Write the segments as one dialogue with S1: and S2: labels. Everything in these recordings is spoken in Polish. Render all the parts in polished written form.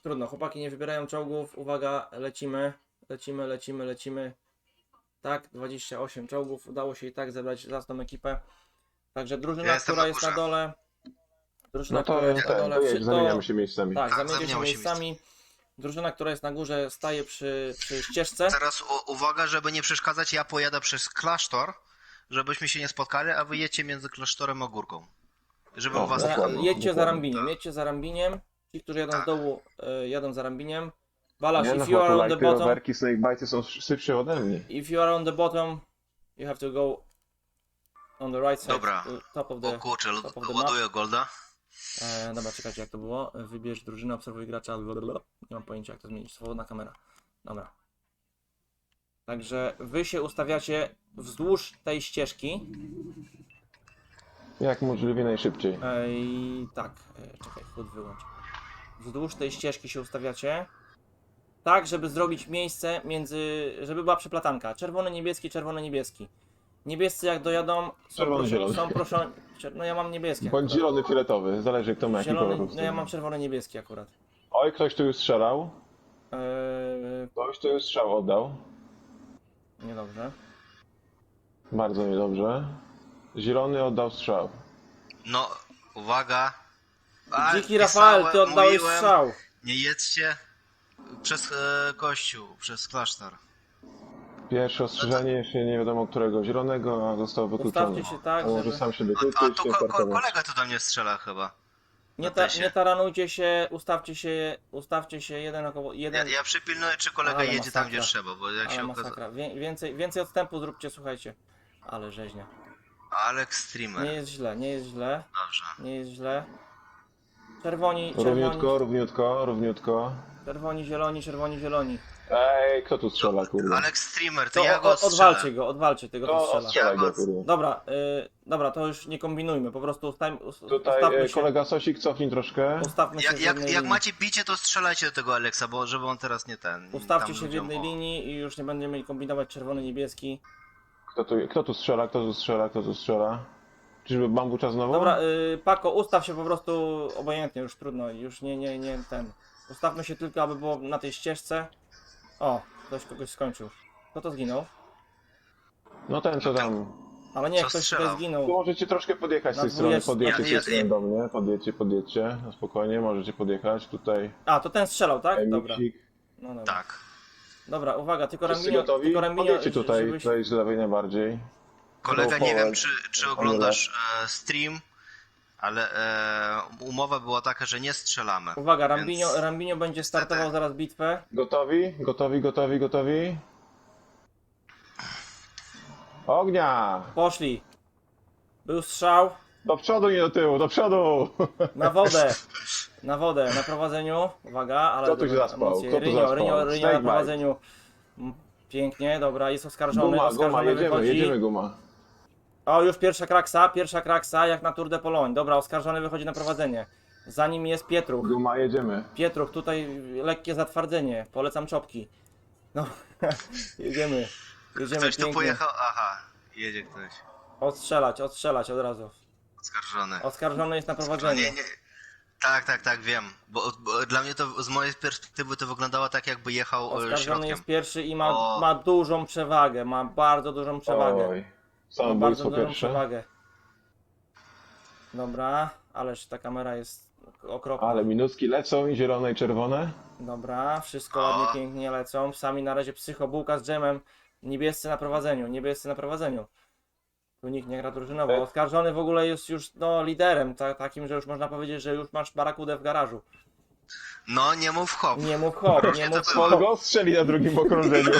S1: Trudno, chłopaki nie wybierają czołgów. Uwaga, lecimy. Tak, 28 czołgów. Udało się i tak zebrać zacną ekipę. Także drużyna,
S2: Ja jestem
S1: która
S2: na
S1: jest na
S2: górze.
S1: dole. Drużyna,
S3: No to
S1: która jest na dole.
S3: to jedź, zamieniamy się miejscami.
S1: Tak,
S2: Tak,
S1: zamienicie się
S2: zamieniamy się
S1: miejscami. Drużyna, która jest na górze, staje przy ścieżce.
S2: Teraz uwaga, żeby nie przeszkadzać, ja pojadę przez klasztor, żebyśmy się nie spotkali, a wy jedźcie między klasztorem a górką. Żeby
S3: O,
S2: was...
S3: dokładnie.
S1: Jedźcie za Rambiniem. Ci, którzy jadą z dołu, jadą za Rambiniem. Balasz,
S3: Nie, no
S1: if you are on the bottom,
S3: rowerki, snakebite'y są szybsze ode mnie.
S1: if you are on the bottom, you have to go on the right side,
S2: Dobra.
S1: top of
S2: O
S1: the...
S2: kurczę,
S1: top of the
S2: ładuję golda.
S1: Dobra, czekajcie jak to było. Wybierz drużynę, obserwuj gracza. Nie mam pojęcia jak to zmienić. Swobodna kamera. Dobra. Także wy się ustawiacie wzdłuż tej ścieżki.
S3: Jak możliwie najszybciej.
S1: Tak, czekaj, chód wyłącz. Wzdłuż tej ścieżki się ustawiacie. Tak, żeby zrobić miejsce między... żeby była przeplatanka. Czerwony, niebieski, czerwony, niebieski. Niebiescy jak dojadą
S3: Czerwony, zielony.
S1: są proszeni... No ja mam niebieski
S3: Bądź
S1: akurat.
S3: zielony, fioletowy, zależy kto ma jaki
S1: Zielony,
S3: kolor.
S1: no ja mam czerwony, niebieski akurat.
S3: Oj, ktoś tu już strzelał. Ktoś tu już strzał oddał.
S1: Niedobrze.
S3: Bardzo niedobrze. Zielony oddał strzał.
S2: No, uwaga.
S1: Dziki Rafael, ty oddałeś
S2: mówiłem,
S1: strzał.
S2: Nie jedźcie przez kościół, przez klasztor.
S3: Pierwsze ostrzeżenie, jeszcze nie wiadomo którego zielonego, a został wykluczony.
S1: Ustawcie się tak,
S3: A może
S1: żeby...
S3: sam siebie
S2: A
S3: wykluczyć,
S2: tu
S3: się parkować.
S2: kolega tu do mnie strzela chyba.
S1: Nie taranujcie się, ustawcie się jeden około... jeden.
S2: Ja przypilnuję, czy kolega
S1: Ale
S2: jedzie tam,
S1: masakra.
S2: gdzie trzeba, bo jak
S1: Ale
S2: się
S1: masakra. Więcej odstępu zróbcie, słuchajcie. Ale rzeźnia.
S2: Alex Streamer.
S1: Nie jest źle, nie jest źle.
S2: Dobrze.
S1: Nie jest źle. Czerwoni,
S3: Równiutko.
S1: czerwoni, zieloni.
S3: Ej, kto tu strzela, kurde?
S2: Alex Streamer, to
S1: To
S2: ja go strzelę.
S1: odwalcie tego, co
S3: To
S1: strzela.
S3: strzelaj go,
S2: Ja
S3: kurde.
S1: Dobra, to już nie kombinujmy, po prostu ustawmy
S3: Tutaj
S1: się,
S3: kolega Sosik, cofnij troszkę.
S1: ustawmy się w jednej
S2: Jak
S1: linii.
S2: macie bicie, to strzelajcie do tego Alexa, bo żeby on teraz nie ten.
S1: Ustawcie
S2: tam
S1: się w
S2: ludziom,
S1: jednej linii i już nie będziemy mieli kombinować czerwony, niebieski.
S3: Kto tu strzela? Czyżby bambucza znowu?
S1: Dobra, Pako, ustaw się po prostu obojętnie, już trudno, już nie ten. Ustawmy się tylko, aby było na tej ścieżce. O, ktoś kogoś skończył. Kto to zginął?
S3: No ten co tam.
S1: Ale nie,
S2: Co
S1: ktoś
S2: strzelał?
S1: tutaj zginął.
S3: Tu możecie troszkę podjechać z
S1: Na
S3: tej strony,
S1: dwudziestce.
S3: podjedźcie z tej
S2: Ja-
S3: strony do mnie, podjedźcie, no spokojnie, możecie podjechać tutaj.
S1: A, to ten strzelał, tak? Dobra.
S3: Emiksik.
S1: No dobra.
S2: Tak.
S1: Dobra, uwaga, tylko
S3: Wszyscy
S1: Rambinio,
S3: gotowi? Podjedźcie
S1: żebyś...
S3: tutaj z lewej najbardziej.
S2: Kolega,
S3: Go
S2: nie wiem,
S3: forward.
S2: czy oglądasz stream, ale umowa była taka, że nie strzelamy.
S1: Uwaga,
S2: Więc-
S1: Rambinio będzie startował zaraz bitwę.
S3: Gotowi? Ognia!
S1: Poszli. Był strzał.
S3: Do przodu, nie do tyłu, do przodu!
S1: Na wodę, na prowadzeniu. Uwaga, ale...
S3: Kto tu się
S1: dobra,
S3: zaspał?
S1: emocje.
S3: Kto tu
S1: Rynio
S3: zaspał?
S1: na
S3: Snakebite.
S1: prowadzeniu. Pięknie, dobra, jest oskarżony.
S3: Guma,
S1: wychodzi.
S3: jedziemy guma.
S1: O, już pierwsza kraksa, jak na Tour de Pologne. Dobra, oskarżony wychodzi na prowadzenie. Za nim jest Pietruch.
S3: Guma, jedziemy.
S1: Pietruch, tutaj lekkie zatwardzenie. Polecam czopki. No, jedziemy.
S2: Ktoś tu
S1: pięknie.
S2: pojechał, aha, jedzie ktoś.
S1: Odstrzelać od razu.
S2: Oskarżony.
S1: Oskarżony jest na prowadzeniu.
S2: Nie. Tak, wiem. Bo dla mnie to z mojej perspektywy to wyglądało tak, jakby jechał
S1: Oskarżony
S2: środkiem.
S1: jest pierwszy i
S2: O.
S1: ma dużą przewagę. Ma bardzo dużą przewagę.
S3: Oj,
S1: Ma bardzo
S3: samobójstwo
S1: dużą
S3: pierwsze.
S1: przewagę. Dobra, ależ ta kamera jest okropna.
S3: Ale minutki lecą i zielone i czerwone.
S1: Dobra, wszystko
S2: O.
S1: ładnie, pięknie lecą. Sami na razie psychobułka z dżemem. Niebiescy na prowadzeniu. Tu nikt nie gra drużynowo. Oskarżony w ogóle jest już liderem, takim, że już można powiedzieć, że już masz barakudę w garażu.
S2: No, nie mów hop.
S1: Nie mów hop, nie mów
S2: to było.
S3: On
S1: hop.
S3: go strzeli na drugim okrążeniu.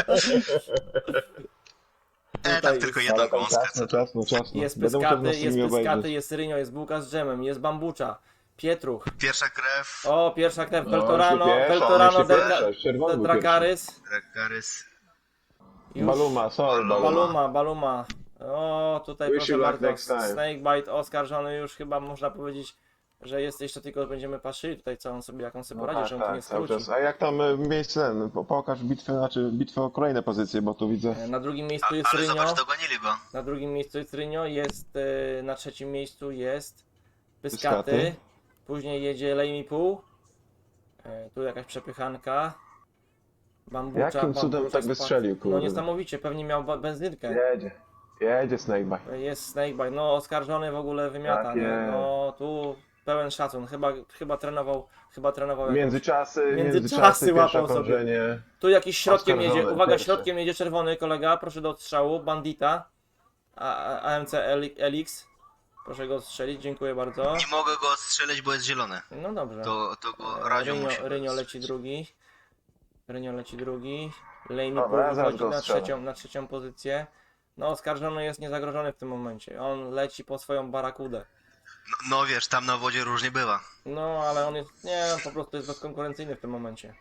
S2: Tam tylko jedna
S3: Ale tam
S2: gąska.
S3: ciasno.
S1: Jest
S3: Będę musiał na streamie
S1: Pyskaty,
S3: obejrzeć.
S1: jest Rynio, jest bułka z dżemem, jest bambucza, Pietruch.
S2: Pierwsza krew,
S1: O, pierwsza krew,
S3: No,
S1: Beltorano,
S3: jeszcze pierwsza,
S1: Beltorano,
S3: jeszcze pierwsza, czerwony był
S1: Dracarys.
S2: Dracarys.
S1: Już.
S3: Baluma, sorry,
S1: Baluma. O, tutaj
S3: Wish
S1: proszę
S3: you luck
S1: bardzo,
S3: next time.
S1: Snakebite oskarżony już chyba można powiedzieć, że jest jeszcze tylko będziemy patrzyli tutaj co on sobie, jak on sobie poradzi, że on tu nie
S3: cały
S1: skróci.
S3: czas. A jak tam miejsce, pokaż bitwę, bitwę o kolejne pozycje, bo tu widzę.
S1: Na drugim miejscu jest
S2: Ale
S1: Rynio,
S2: zobacz, dogonili go.
S1: na drugim miejscu jest Rynio, jest na trzecim miejscu jest
S3: Pyskaty.
S1: Pyskaty, później jedzie Lejmi Pół, Tu jakaś przepychanka. Bambucza,
S3: Jakim cudem
S1: bambucza
S3: tak
S1: spadł.
S3: wystrzelił,
S1: No
S3: kurde?
S1: niesamowicie, pewnie miał benzynkę.
S3: Jedzie Snakebite.
S1: Jest Snakebite, no oskarżony w ogóle wymiata,
S3: Tak
S1: nie?
S3: jest.
S1: No tu pełen szacun, chyba trenował jakąś...
S3: Międzyczasy
S1: Międzyczasy
S3: pierwsze
S1: łapał sobie.
S3: okrążenie.
S1: Tu jakiś środkiem jedzie,
S3: Oskarżony,
S1: uwaga,
S3: pierwszy.
S1: środkiem jedzie czerwony kolega, proszę do odstrzału, Bandita, AMC LX, proszę go odstrzelić, dziękuję bardzo.
S2: Nie mogę go odstrzelić, bo jest zielony.
S1: No dobrze.
S2: To go Radziu musi
S1: Rynio leci
S2: odstrzelić.
S1: drugi. Rynio leci drugi. Lejmi
S3: Dobra, ja zaraz
S1: wychodzi
S3: go
S1: na
S3: ostrzelę.
S1: trzecią pozycję. No oskarżony jest niezagrożony w tym momencie. On leci po swoją barakudę.
S2: No wiesz, tam na wodzie różnie bywa.
S1: No ale on jest, nie, on po prostu jest bezkonkurencyjny w tym momencie.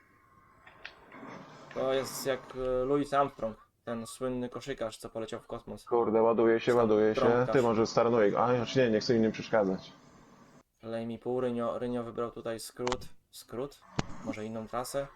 S1: To jest jak Louis Armstrong, ten słynny koszykarz, co poleciał w kosmos.
S3: Kurde, ładuje się.
S1: Trąbkarz.
S3: Ty może starnuj. A, znaczy nie chcę innym przeszkadzać.
S1: Lejmi pół, Rynio wybrał tutaj skrót, może inną trasę.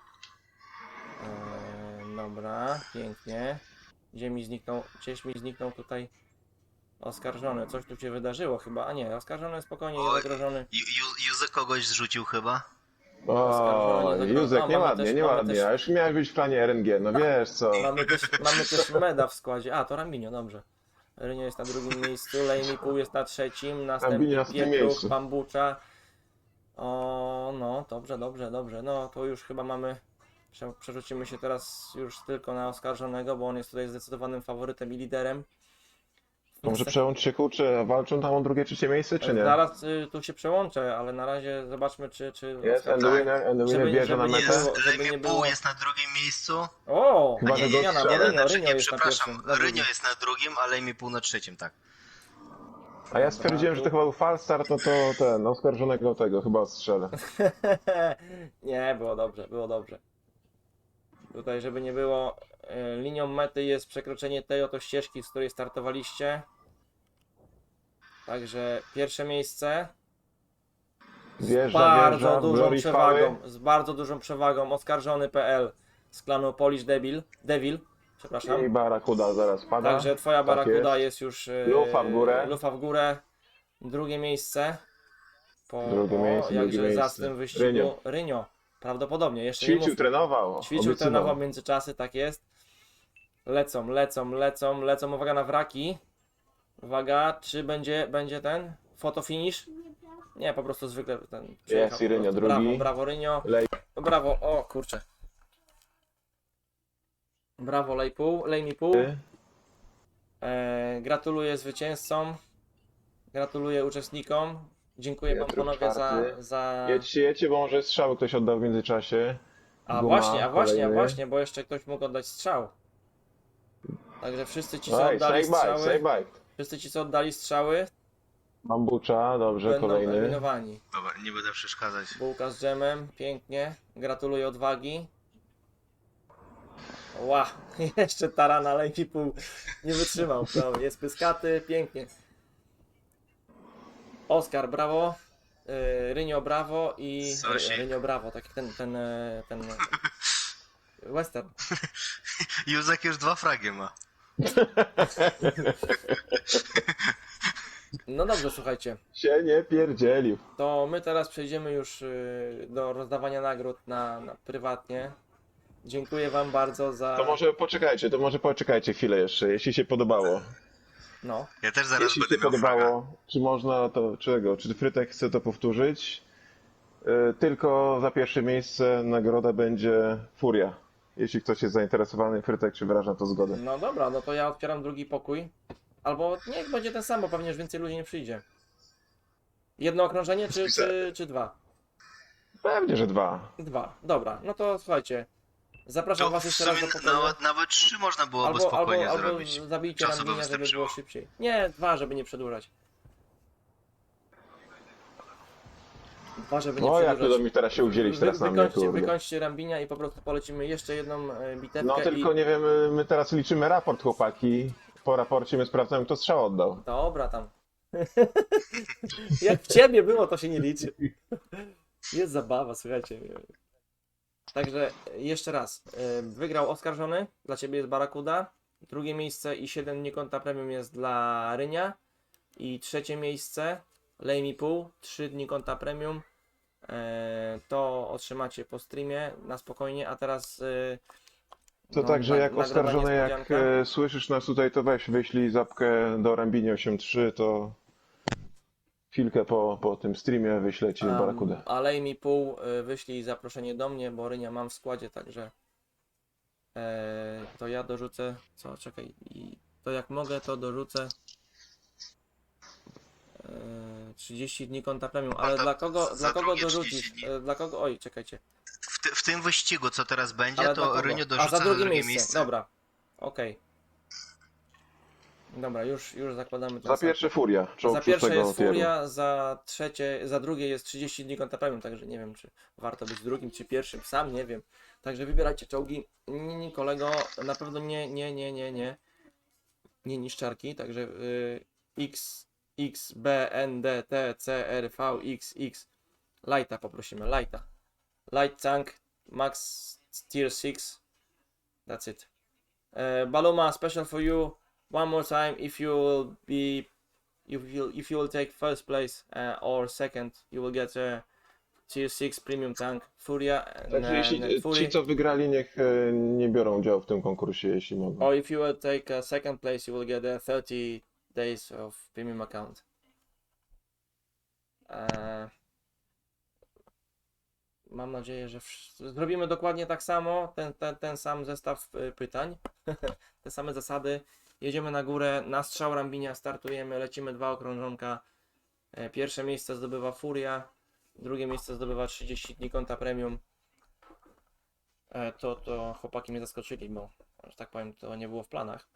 S1: Dobra, pięknie. Gdzieś mi zniknął tutaj oskarżony. Coś tu się wydarzyło chyba, a nie, oskarżony spokojnie,
S2: Oj.
S1: niezagrożony.
S2: Józek kogoś zrzucił chyba.
S3: O,
S1: Oskarżony,
S3: Józek,
S1: mamy
S3: nieładnie,
S1: też-
S3: nieładnie.
S1: mamy też-
S3: A już miałeś być w planie RNG, no wiesz co.
S1: Mamy też Meda w składzie. A, to Rambinio, dobrze. Rynio jest na drugim miejscu, Lejmi pół jest na trzecim, następnie
S3: Rambinio na trzecim
S1: Pietruch,
S3: miejscu.
S1: Bambucza. O, no, dobrze. No, to już chyba mamy... Przerzucimy się teraz już tylko na oskarżonego, bo on jest tutaj zdecydowanym faworytem i liderem.
S3: To może przełącz się, kurczę, walczą tam o drugie, trzecie miejsce, czy nie?
S1: Zaraz tu się przełączę, ale na razie zobaczmy, czy
S3: Jest, and
S1: Żeby-
S3: the winner bierze
S1: żeby
S3: na
S1: nie
S3: metę.
S1: było- żeby nie
S2: Lejmi
S1: było-
S2: Pół jest na drugim miejscu.
S1: O!
S3: Chyba, że go
S1: Zmiana,
S3: strzela.
S1: Rynio jest na
S2: przepraszam,
S1: pierwszym. na drugim.
S2: Rynio jest na drugim, a Lejmi Pół na trzecim, tak.
S3: A ja stwierdziłem, że to chyba był false start, no to ten, oskarżonego tego chyba strzelę.
S1: Nie, było dobrze. Tutaj, żeby nie było, linią mety jest przekroczenie tej oto ścieżki, z której startowaliście. Także pierwsze miejsce
S3: Wjeżdża, Glory chwały.
S1: z bardzo dużą przewagą, oskarżony.pl z klanu Polish Devil, przepraszam.
S3: I Barakuda zaraz pada.
S1: Także twoja
S3: Tak
S1: barakuda
S3: jest.
S1: jest już
S3: Lufa w górę.
S1: lufa w górę. Drugie miejsce.
S3: Drugie miejsce,
S1: jakże
S3: drugie miejsce.
S1: zacnym wyścigu. Rynio. Prawdopodobnie, jeszcze nie
S3: Ćwiczył,
S1: mówmy.
S3: trenował.
S1: Ćwiczył,
S3: obiecywał.
S1: trenował w międzyczasy, tak jest. Lecą. Uwaga na wraki. Uwaga, czy będzie ten fotofinish? Nie, po prostu zwykle ten przyjechał
S3: i
S1: po
S3: Rynio
S1: prostu.
S3: drugi.
S1: Brawo Rynio.
S3: Lej.
S1: Brawo, o kurczę. Brawo Lejmi pół. Gratuluję zwycięzcom. Gratuluję uczestnikom. Dziękuję wam
S3: Piotr
S1: panowie
S3: czwarty.
S1: za...
S3: Jedźcie, bo może strzały ktoś oddał w międzyczasie.
S1: A
S3: Guma,
S1: właśnie,
S3: kolejny.
S1: bo jeszcze ktoś mógł oddać strzał. Także wszyscy ci, co
S3: Oj,
S1: oddali strzały,
S3: Snakebite.
S1: wszyscy ci, co oddali strzały,
S3: Bambucza, dobrze,
S1: będą
S3: kolejny.
S1: eliminowani.
S2: Dobra, nie będę przeszkadzać.
S1: Bułka z dżemem, pięknie. Gratuluję odwagi. Ła, jeszcze tarana Lejmi pół nie wytrzymał. No, jest pyskaty, pięknie. Oskar, brawo. Rynio, brawo i...
S2: Sosik.
S1: Rynio, brawo, tak jak ten western.
S2: Józek już 2 fragi ma.
S1: No dobrze, słuchajcie.
S3: Się nie pierdzielił.
S1: To my teraz przejdziemy już do rozdawania nagród na prywatnie. Dziękuję wam bardzo za...
S3: To może poczekajcie chwilę jeszcze, jeśli się podobało.
S1: No,
S2: Ja też zaraz
S3: Jeśli się
S2: będę miał fraga.
S3: podobało, czy można to, czy Frytek chce to powtórzyć? Tylko za pierwsze miejsce nagroda będzie Furia. Jeśli ktoś jest zainteresowany, Frytek, czy wyraża to zgodę?
S1: no dobra, no to ja otwieram drugi pokój. Albo niech będzie ten sam, bo pewnie już więcej ludzi nie przyjdzie. Jedno okrążenie czy dwa?
S3: Pewnie, że 2.
S1: Dwa, dobra, no to słuchajcie. Zapraszam
S2: To
S1: was
S2: w
S1: jeszcze raz do
S2: sumie
S1: pokoju.
S2: nawet 3 można byłoby spokojnie
S1: albo
S2: zrobić.
S1: zabijcie
S2: Czasu by
S1: Rambinia, żeby
S2: wystarczyło.
S1: było szybciej. Nie, 2, żeby nie przedłużać. 2, żeby nie
S3: No jak
S1: przedłużać.
S3: to do mnie teraz się uwzięliś teraz na mnie, kurde.
S1: Wykończcie Rambinia i po prostu polecimy jeszcze jedną bitewkę.
S3: No tylko nie wiem, my teraz liczymy raport, chłopaki. Po raporcie my sprawdzamy, kto strzał oddał.
S1: Dobra tam. Jak w ciebie było, to się nie liczy. Jest zabawa, słuchajcie. Także jeszcze raz. Wygrał oskarżony, dla ciebie jest Barakuda. Drugie miejsce i 7 dni konta premium jest dla Rynia. I trzecie miejsce Lejmi pół, 3 dni konta premium. To otrzymacie po streamie na spokojnie, a teraz
S3: To
S1: no,
S3: także jak
S1: nagroda
S3: oskarżony, jak
S1: niespodzianka.
S3: słyszysz nas tutaj, to weź wyślij zapkę do Rambini 8.3, to chwilkę po tym streamie wyślę ci barakudę.
S1: Alej mi pół, wyślij zaproszenie do mnie, bo Rynia mam w składzie, także to ja dorzucę, czekaj, to jak mogę, to dorzucę 30 dni konta premium, ale
S2: Konta
S1: dla
S2: za
S1: kogo
S2: drugie
S1: dorzucisz?
S2: 30 dni.
S1: Dla kogo? Oj, czekajcie.
S2: W tym wyścigu, co teraz będzie,
S1: Ale dla
S2: to
S1: kogo?
S2: Rynio
S1: A
S2: dorzuca
S1: za
S2: na
S1: drugie
S2: drugie
S1: miejsce. Dobra, okej. Dobra, już zakładamy ten
S3: Za
S1: sam.
S3: pierwsze Furia, czołg
S1: Za pierwsze
S3: szóstego
S1: jest
S3: tieru.
S1: Furia, za drugie jest 30 dni konta premium, także nie wiem, czy warto być drugim, czy pierwszym, sam nie wiem. Także wybierajcie czołgi. Nie, kolego, na pewno nie niszczarki, także X, B, N, D, T, C, R, V, X. Lighta poprosimy, Lighta. Light tank, max tier 6. That's it. Baluma, special for you. One more time, if you will be, if you will take first place or second, you will get a tier 6 premium tank Furia
S3: Także jeśli
S1: Fury.
S3: ci, co wygrali, niech nie biorą udziału w tym konkursie, jeśli mogą.
S1: Or if you will take second place, you will get a 30 days of premium account. Mam nadzieję, że zrobimy dokładnie tak samo, ten sam zestaw pytań, te same zasady. Jedziemy na górę, na strzał Rambinia startujemy, lecimy 2 okrążonka. Pierwsze miejsce zdobywa Furia, drugie miejsce zdobywa 30 dni konta premium. To chłopaki mnie zaskoczyli, bo, że tak powiem, to nie było w planach.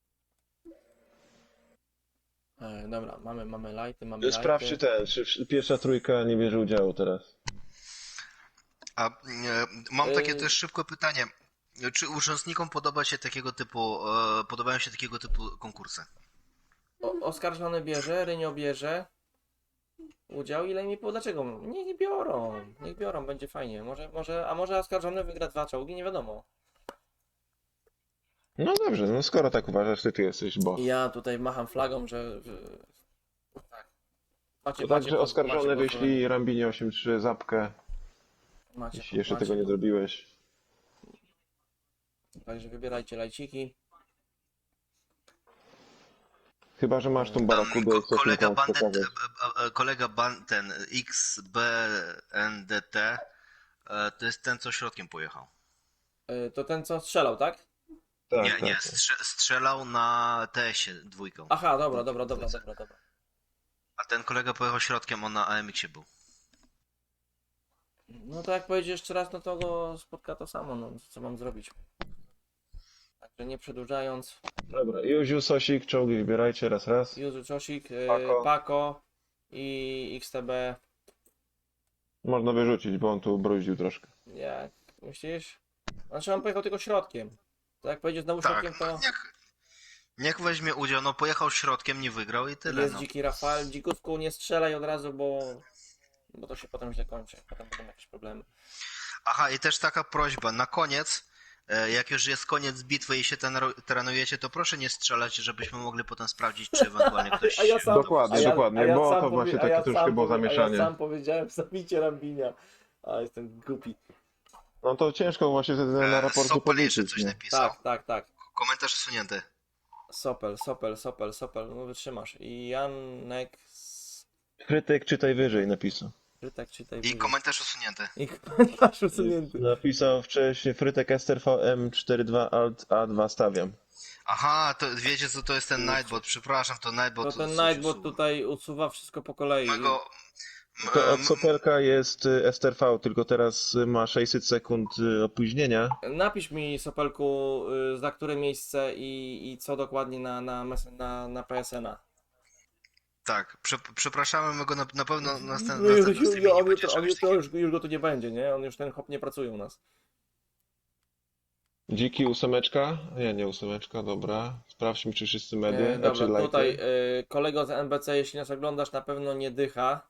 S1: Dobra, mamy lighty,
S3: Sprawdźcie czy pierwsza trójka nie bierze udziału teraz.
S2: A mam takie też szybkie pytanie. Czy uczestnikom podobają się takiego typu konkursy?
S1: Oskarżony bierze, Rynio bierze udział, ile mi po dlaczego? Niech biorą, będzie fajnie. Może oskarżony wygra 2 czołgi, nie wiadomo.
S3: No dobrze, no skoro tak uważasz, ty jesteś boss.
S1: I ja tutaj macham flagą, że tak.
S3: To także oskarżony
S1: pozwolenie.
S3: wyślij Rambini 8.3 zapkę, jeśli jeszcze tego nie zrobiłeś.
S1: Także wybierajcie lajciki.
S3: Chyba że masz tą barakudę i chcesz mi tam pokazać.
S2: Kolega ten XBNDT to jest ten, co środkiem pojechał.
S1: To ten, co strzelał, tak?
S3: Tak,
S2: Nie,
S3: tak,
S2: nie,
S3: tak.
S2: strzelał na TS-ie dwójką.
S1: Aha, dobra.
S2: A ten kolega pojechał środkiem, on na AMX-ie był.
S1: No to jak pojedzie jeszcze raz, no to go spotka to samo, no co mam zrobić. Także nie przedłużając.
S3: Dobra, Józiu, Sosik, czołgi wybierajcie raz.
S1: Juzu Czosik,
S3: Pako.
S1: Pako i XTB.
S3: Można wyrzucić, bo on tu bruździł troszkę.
S1: Jak myślisz? Znaczy on pojechał tylko środkiem. To jak pojedzie znowu
S2: Tak,
S1: środkiem, to
S2: niech weźmie udział, no pojechał środkiem, nie wygrał i tyle.
S1: jest
S2: No.
S1: dziki Rafael. Dzikówku nie strzelaj od razu, bo to się potem źle kończy. Potem będą jakieś problemy.
S2: Aha, i też taka prośba, na koniec, jak już jest koniec bitwy i się trenujecie, to proszę nie strzelać, żebyśmy mogli potem sprawdzić, czy ewentualnie ktoś...
S1: A ja sam-
S3: Dokładnie, dokładnie, bo to właśnie takie troszkę było
S1: A ja
S3: zamieszanie.
S1: sam powiedziałem, zabicie Rambinia. A jestem głupi.
S3: No to ciężko właśnie wtedy na raporcie
S2: Sopel jeszcze
S3: policzyć,
S2: coś
S3: nie?
S2: napisał.
S1: Tak.
S2: Komentarz usunięty.
S1: Sopel, no wytrzymasz. I Janek
S3: Krytyk czytaj wyżej napisał.
S1: Frytek czytaj
S2: I
S1: wyżej.
S2: komentarz usunięty.
S1: I komentarz usunięty.
S3: Napisał wcześniej Frytek STRVM 42 Alt A2 stawiam.
S2: Aha, to wiecie co to jest ten Nightbot, przepraszam, to Nightbot...
S1: To ten
S2: coś
S1: Nightbot
S2: usuwa.
S1: tutaj usuwa wszystko po kolei.
S2: Mego...
S3: To od Sopelka jest STRV, tylko teraz ma 600 sekund opóźnienia.
S1: Napisz mi, Sopelku, za które miejsce i co dokładnie na PSN-a.
S2: Tak, przepraszamy, my go na pewno
S1: No,
S2: następnym streamie nie będzie czegoś takiego.
S1: już go tu nie będzie, nie? On już ten hop nie pracuje u nas.
S3: Dziki 8, nie, nie 8, dobra. Sprawdźmy, czy wszyscy medy,
S1: Dobra,
S3: czy lighty.
S1: tutaj kolego z NBC, jeśli nas oglądasz, na pewno nie dycha.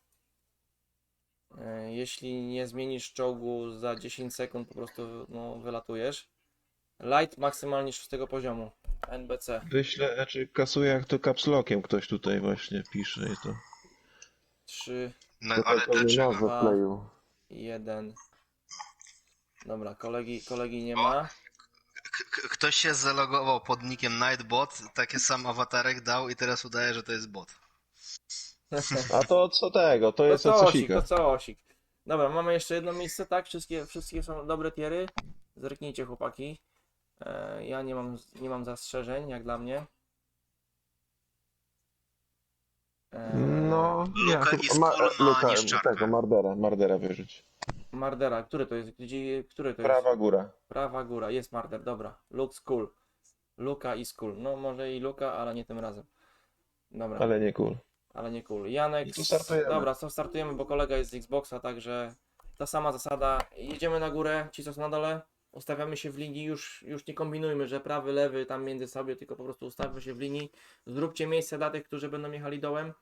S1: Jeśli nie zmienisz czołgu za 10 sekund, po prostu no, wylatujesz. Light maksymalnie 6 poziomu. NBC.
S3: Wyślę, znaczy kasuję jak to capslockiem ktoś tutaj właśnie pisze i to.
S1: 3.
S2: No,
S3: To
S2: ale
S3: pewnie
S2: dlaczego?
S3: nazwę wkleił.
S1: 1. Dobra, kolegi nie ma.
S2: Ktoś się zalogował pod nickiem Nightbot, taki sam awatarek dał i teraz udaje, że to jest bot.
S3: A to co tego? To jest
S1: To
S3: od
S1: co osik,
S3: Sosika.
S1: to co osik. Dobra, mamy jeszcze jedno miejsce, tak? Wszystkie są dobre tiery. Zerknijcie, chłopaki. Ja nie mam zastrzeżeń, jak dla mnie.
S3: No, ja
S2: Luka
S3: chyba
S2: i Skull ma niszczarkę.
S3: tego, Mardera wyrzuć.
S1: Mardera, który to jest? Który to jest?
S3: Prawa góra.
S1: Prawa góra, jest Marder, dobra. Luke Skull. Luka i Skull. No może i Luka, ale nie tym razem. Dobra,
S3: Ale nie cool.
S1: ale nie cool. Janek.
S3: I tu startujemy.
S1: Dobra, to startujemy, bo kolega jest z Xboxa, także ta sama zasada. Jedziemy na górę, ci co są na dole. Ustawiamy się w linii, już nie kombinujmy, że prawy, lewy tam między sobie, tylko po prostu ustawmy się w linii. Zróbcie miejsce dla tych, którzy będą jechali dołem.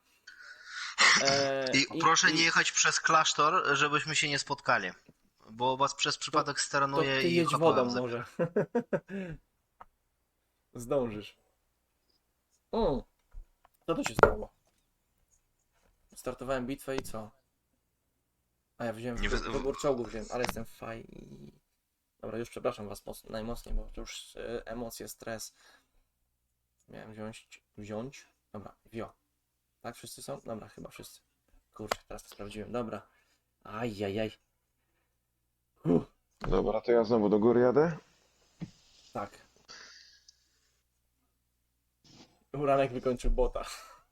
S2: I proszę nie jechać przez klasztor, żebyśmy się nie spotkali. Bo was przez przypadek
S1: To
S2: steranuje
S1: ty
S2: i
S1: jedź
S2: HPM
S1: wodą
S2: zabiera.
S1: może. Zdążysz. Co to się stało? Startowałem bitwę i co? A ja wziąłem
S2: Nie wy-
S1: wybór czołgów, ale jestem faj. Dobra, już przepraszam was najmocniej, bo to już emocje, stres. Miałem wziąć. Dobra, wio. Tak, wszyscy są? Dobra, chyba wszyscy. Kurczę, teraz to sprawdziłem. Dobra. Ajajaj.
S3: Dobra, to ja znowu do góry jadę.
S1: Tak. Uranek wykończył bota.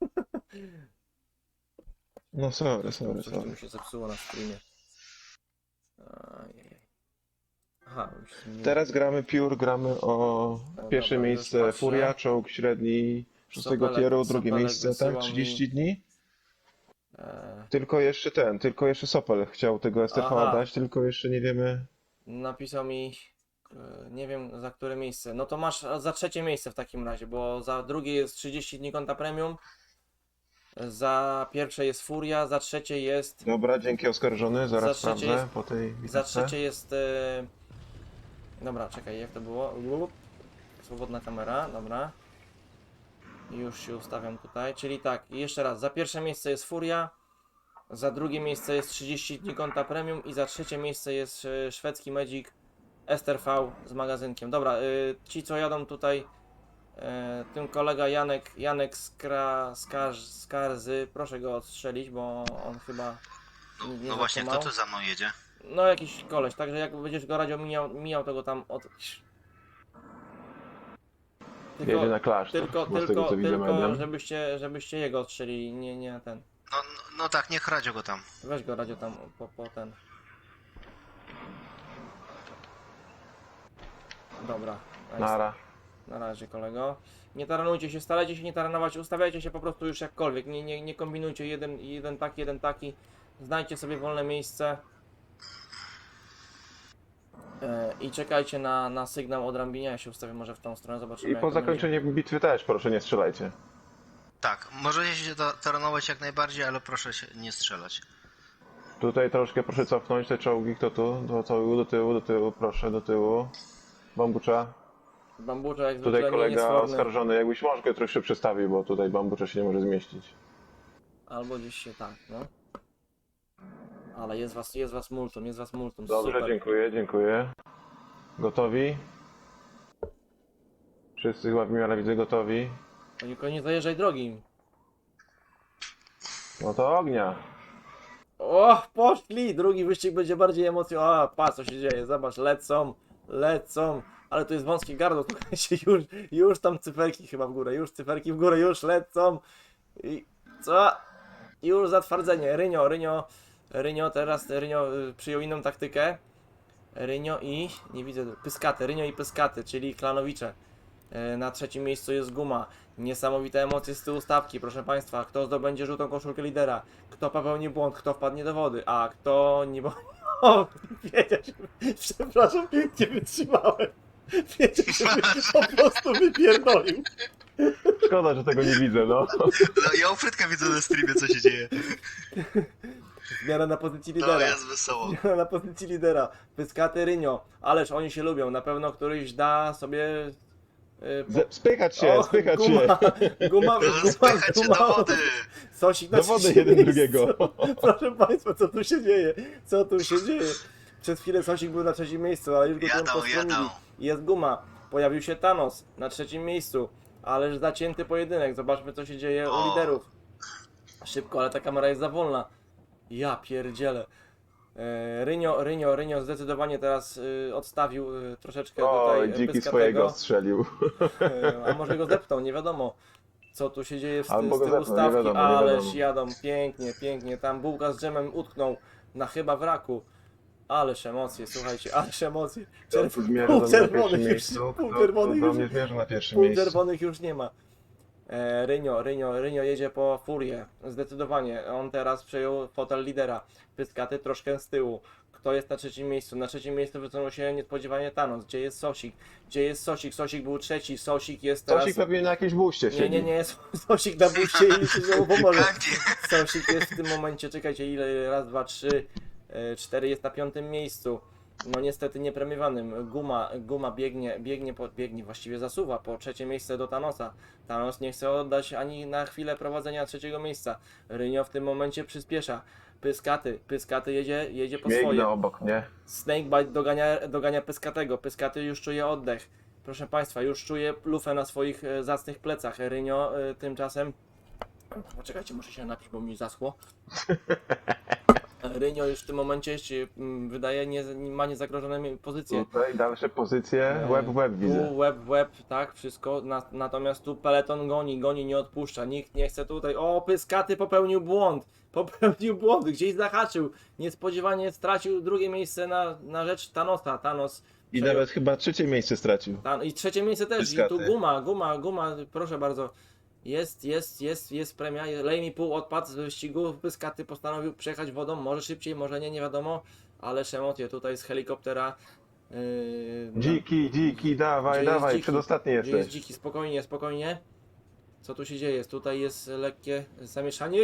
S3: No sorry.
S1: Coś tu mi się zepsuło na streamie. Ajajaj. Aha, już zmieniłem.
S3: Teraz gramy gramy o pierwsze
S1: dobra, już
S3: miejsce
S1: patrzę.
S3: Furia, czołg średni 6 tieru, drugie
S1: Sopelek
S3: miejsce, tak?
S1: wysyłał
S3: 30 dni.
S1: E,
S3: Tylko jeszcze Sopel chciał tego STV
S1: Aha.
S3: dać, tylko jeszcze nie wiemy.
S1: Napisał mi, nie wiem za które miejsce. No to masz za trzecie miejsce w takim razie, bo za drugie jest 30 dni konta premium, za pierwsze jest Furia, za trzecie jest,
S3: Dobra, dzięki oskarżony, zaraz
S1: Za trzecie
S3: sprawdzę
S1: jest-
S3: po tej
S1: za
S3: bitewce.
S1: trzecie jest, dobra, czekaj, jak to było? Swobodna kamera, dobra. Już się ustawiam tutaj, czyli tak, jeszcze raz, za pierwsze miejsce jest Furia, za drugie miejsce jest 30 dni konta premium i za trzecie miejsce jest szwedzki Magic STRV z magazynkiem. Dobra, ci co jadą tutaj, tym kolega Janek Skarzy, proszę go odstrzelić, bo on chyba nie
S2: No właśnie, kto
S1: zatrzymał.
S2: tu za mną jedzie?
S1: No jakiś koleś, także jak będziesz go radio mijał to go tam od...
S3: Jedzie na klasztor, bo z tego co widzę medium.
S1: żebyście jego odstrzelili, nie ten.
S2: No tak, niech radio go tam.
S1: Weź go radio tam po ten. Dobra. nice.
S3: Nara.
S1: Na razie, kolego. Nie taranujcie się, starajcie się nie taranować, ustawiajcie się po prostu już jakkolwiek. Nie kombinujcie jeden taki. Znajdźcie sobie wolne miejsce. I czekajcie na sygnał od Rambinia. Ja się ustawię może w tą stronę, zobaczymy.
S3: I
S1: jak
S3: po
S1: to będzie.
S3: zakończeniu bitwy też proszę nie strzelajcie.
S2: Tak, możecie się taranować jak najbardziej, ale proszę się nie strzelać.
S3: Tutaj troszkę proszę cofnąć te czołgi, kto tu? Do tyłu, proszę, do tyłu. Bambucza.
S1: Bambucza jak
S3: Tutaj
S1: zwykle
S3: kolega
S1: niesforny.
S3: oskarżony, jakbyś może go troszkę przestawił, bo tutaj bambucza się nie może zmieścić.
S1: Albo gdzieś się tak, no. Ale jest was multum,
S3: Dobrze,
S1: super.
S3: dziękuję. Gotowi? Wszyscy chyba w miarę widzę gotowi.
S1: Tylko nie zajeżdżaj drogi.
S3: No to ognia.
S1: O, poszli! Drugi wyścig będzie bardziej emocjonalny. O, patrz co się dzieje, zobacz, lecą. Ale to jest wąskie gardło, słuchajcie, już tam cyferki chyba w górę, już lecą. I co? Już zatwardzenie. Rynio teraz przyjął inną taktykę. Rynio i, nie widzę, Rynio i Pyskaty, czyli klanowicze. Na trzecim miejscu jest Guma. Niesamowite emocje z tyłu stawki, proszę Państwa. Kto zdobędzie żółtą koszulkę lidera? Kto popełni błąd? Kto wpadnie do wody? A kto nie... O, wiedział, przepraszam, pięknie wytrzymałem. Wiedział, że po prostu wypierdolił.
S3: Szkoda, że tego nie widzę, no.
S2: No, ja u Frytka widzę na streamie, co się dzieje.
S1: Zmiana na pozycji
S2: To
S1: lidera.
S2: jest wesoło.
S1: Zmiana na pozycji lidera. Pyskaty Rynio. Ależ oni się lubią. Na pewno któryś da sobie
S3: Spychać się, spychać się.
S1: Guma,
S2: Spychać się do wody!
S1: Sosik na
S3: Do wody
S1: trzecim
S3: jeden
S1: miejscu.
S3: drugiego.
S1: Proszę Państwa, co tu się dzieje? Co tu się dzieje? Przez chwilę Sosik był na trzecim miejscu, ale już go tam
S2: Jadą,
S1: postromili.
S2: jadą.
S1: Jest Guma. Pojawił się Thanos na trzecim miejscu. Ależ zacięty pojedynek. Zobaczmy, co się dzieje u
S2: O.
S1: liderów. Szybko, ale ta kamera jest za wolna. Ja pierdzielę. Rynio zdecydowanie teraz odstawił troszeczkę
S3: Oj,
S1: tutaj
S3: dziki
S1: Pyskatego.
S3: swojego strzelił.
S1: A może go zepnął, nie wiadomo. Co tu się dzieje z
S3: Albo go
S1: tyłu
S3: zepnął, nie
S1: stawki,
S3: wiadomo, nie
S1: ależ
S3: wiadomo.
S1: jadą pięknie, pięknie. Tam bułka z dżemem utknął na chyba wraku. Ależ emocje, słuchajcie, ależ emocje.
S3: Kto tu zmierza
S1: Pół
S3: do mnie na
S1: czerwonych
S3: pierwszym
S1: już,
S3: miejscu?
S1: pół
S3: Kto
S1: czerwonych
S3: do
S1: już,
S3: mnie zmierza na pierwszym
S1: pół
S3: miejscu?
S1: czerwonych już nie ma. Rynio jedzie po furię. Zdecydowanie. On teraz przejął fotel lidera. Pyskaty troszkę z tyłu. Kto jest na trzecim miejscu? Na trzecim miejscu wysunął się niespodziewanie Thanos. Gdzie jest Sosik? Gdzie jest Sosik? Sosik był trzeci. Sosik jest teraz...
S3: Sosik pewnie na jakieś buście siedzi.
S1: Nie. Sosik na buście i już się znowu pomoże.
S2: Kandzie.
S1: Sosik jest w tym momencie, czekajcie, ile? Raz, dwa, trzy, 4 jest na 5. miejscu. No niestety niepremiowanym. Guma biegnie, właściwie zasuwa po trzecie miejsce do Thanosa. Thanos nie chce oddać ani na chwilę prowadzenia trzeciego miejsca. Rynio w tym momencie przyspiesza. Pyskaty jedzie po swoje.
S3: Biegnę obok mnie.
S1: Snakebite dogania Pyskatego. Pyskaty już czuje oddech. Proszę Państwa, już czuje lufę na swoich zacnych plecach. Rynio tymczasem... Poczekajcie, muszę się napić, bo mi zaschło. Rynio już w tym momencie się wydaje, ma niezagrożone pozycje.
S3: Tutaj dalsze pozycje, łeb w łeb widzę.
S1: Tu łeb w łeb, tak, wszystko. Natomiast tu peleton goni, nie odpuszcza. Nikt nie chce tutaj. O, Pyskaty popełnił błąd. Gdzieś zahaczył. Niespodziewanie stracił drugie miejsce na rzecz Thanosa. Thanos.
S3: I nawet chyba trzecie miejsce stracił.
S1: I trzecie miejsce też.
S3: Pyskaty.
S1: I tu guma, proszę bardzo. Jest premia. Lej mi pół odpadł z wyścigu. Pyskaty postanowił przejechać wodą. Może szybciej, może nie wiadomo. Ależ emocje tutaj z helikoptera.
S3: Dziki, dawaj,
S1: Gdzie jest
S3: dawaj,
S1: dziki?
S3: przedostatni
S1: Gdzie jest
S3: jesteś.
S1: dziki? Spokojnie. Co tu się dzieje? Tutaj jest lekkie zamieszanie.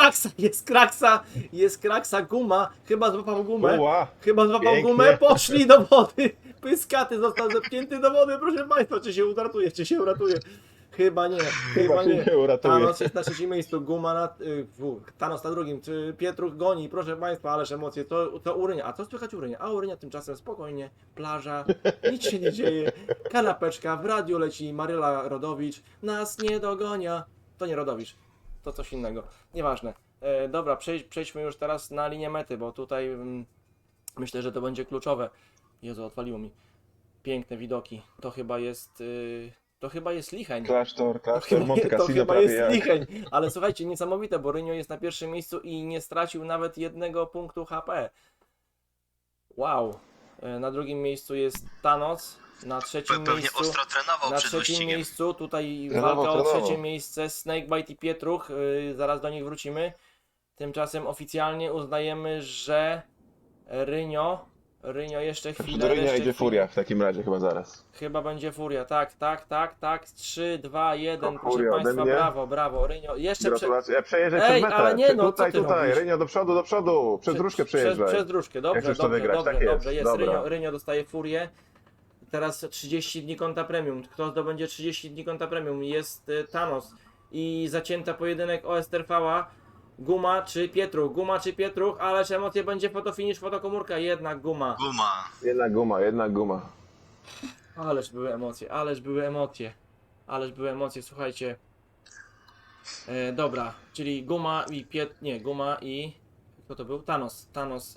S1: Jest kraksa, Guma. Chyba złapał gumę.
S3: Uła, pięknie.
S1: Gumę. Poszli do wody. Pyskaty został zepchnięty do wody. Proszę Państwa, czy się uratuje? Chyba nie.
S3: Chyba się nie uratuje.
S1: Thanos jest na trzecim miejscu, Guma na... Thanos na drugim, czy Pietruch goni, proszę Państwa, ależ emocje, to Urynia. A co słychać Urynia? A Urynia tymczasem spokojnie, plaża, nic się nie dzieje, kanapeczka, w radiu leci Maryla Rodowicz, nas nie dogonia. To nie Rodowicz, to coś innego, nieważne. Dobra, przejdźmy już teraz na linię mety, bo tutaj myślę, że to będzie kluczowe. Jezu, odwaliło mi. Piękne widoki, to chyba jest Licheń.
S3: Klasztor,
S1: To
S3: Monte Cassino
S1: chyba
S3: prawie
S1: jest
S3: jak.
S1: Licheń, ale słuchajcie, niesamowite, bo Rynio jest na pierwszym miejscu i nie stracił nawet 1 punktu HP. Wow. Na drugim miejscu jest Thanos, na trzecim
S2: Pewnie
S1: miejscu...
S2: ostro trenował
S1: Na
S2: przed
S1: trzecim
S2: wyścigiem.
S1: miejscu, tutaj
S3: Trenował,
S1: walka o
S3: trenował.
S1: trzecie miejsce, Snakebite i Pietruch, zaraz do nich wrócimy. Tymczasem oficjalnie uznajemy, że Rynio jeszcze chwilę.
S3: Do Rynia
S1: jeszcze
S3: idzie
S1: chwilę.
S3: Furia w takim razie chyba zaraz.
S1: Chyba będzie Furia, tak. 3, 2, 1,
S3: To
S1: proszę
S3: Furia ode
S1: Państwa,
S3: mnie.
S1: brawo, Rynio. Jeszcze
S3: Gratulacje. Przejeżdżaj
S1: Ej,
S3: przez metę.
S1: ale nie, no, co ty
S3: tutaj,
S1: robisz?
S3: Rynio do przodu. Przez dróżkę przejeżdżaj.
S1: Przez dróżkę, dobrze,
S3: chcesz to wygrać, tak jest.
S1: dobrze, jest.
S3: Dobra.
S1: Rynio dostaje Furię. Teraz 30 dni konta premium. Kto zdobędzie 30 dni konta premium? Jest Thanos. I zacięta pojedynek o STRV-a. Guma czy Pietruch, ależ emocje będzie fotofinish, fotokomórka, jednak Guma.
S2: Guma.
S3: Jednak guma.
S1: Ależ były emocje, słuchajcie. Dobra, czyli Guma i... Kto to był? Thanos.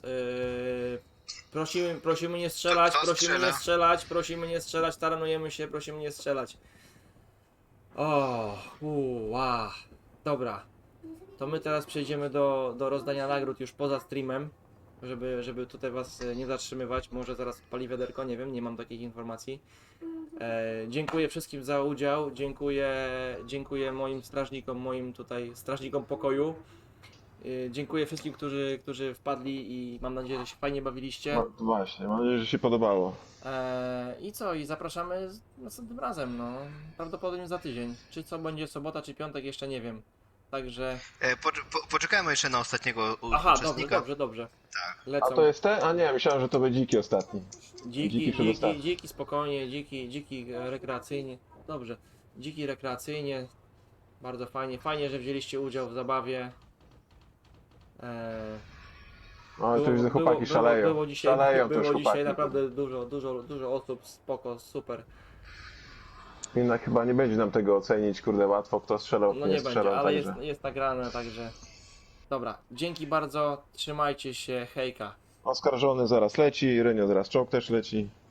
S1: Prosimy nie strzelać,
S2: Kto strzela?
S1: prosimy nie strzelać, taranujemy się, prosimy nie strzelać. Wow. Dobra. To my teraz przejdziemy do rozdania nagród już poza streamem, żeby tutaj was nie zatrzymywać. Może zaraz odpali wiaderko, nie wiem, nie mam takich informacji. Dziękuję wszystkim za udział, dziękuję moim strażnikom, strażnikom pokoju. Dziękuję wszystkim, którzy wpadli i mam nadzieję, że się fajnie bawiliście.
S3: No, właśnie, mam nadzieję, że się podobało.
S1: I co? I zapraszamy następnym razem, no. Prawdopodobnie za tydzień. Czy co będzie sobota, czy piątek, jeszcze nie wiem. Także...
S2: Poczekajmy jeszcze na ostatniego
S1: Aha,
S2: uczestnika.
S1: dobrze.
S2: Tak.
S1: Lecą.
S3: A to jest ten? A nie, myślałem, że to był dziki ostatni. dziki przedostatni.
S1: Dziki, spokojnie, dziki rekreacyjnie. dobrze. Dziki rekreacyjnie. Bardzo fajnie. Fajnie, że wzięliście udział w zabawie.
S3: No to widzę, chłopaki szaleją.
S1: było dzisiaj,
S3: Szaleją
S1: było
S3: też
S1: dzisiaj
S3: chłopaki.
S1: naprawdę dużo osób, spoko, super.
S3: Jednak chyba nie będzie nam tego ocenić, kurde, łatwo, kto strzelał,
S1: No
S3: kto
S1: nie
S3: nie strzelał,
S1: będzie, ale
S3: także.
S1: jest nagrane, także... Dobra, dzięki bardzo, trzymajcie się, hejka.
S3: Oskarżony zaraz leci, Rynio zaraz czołg też leci.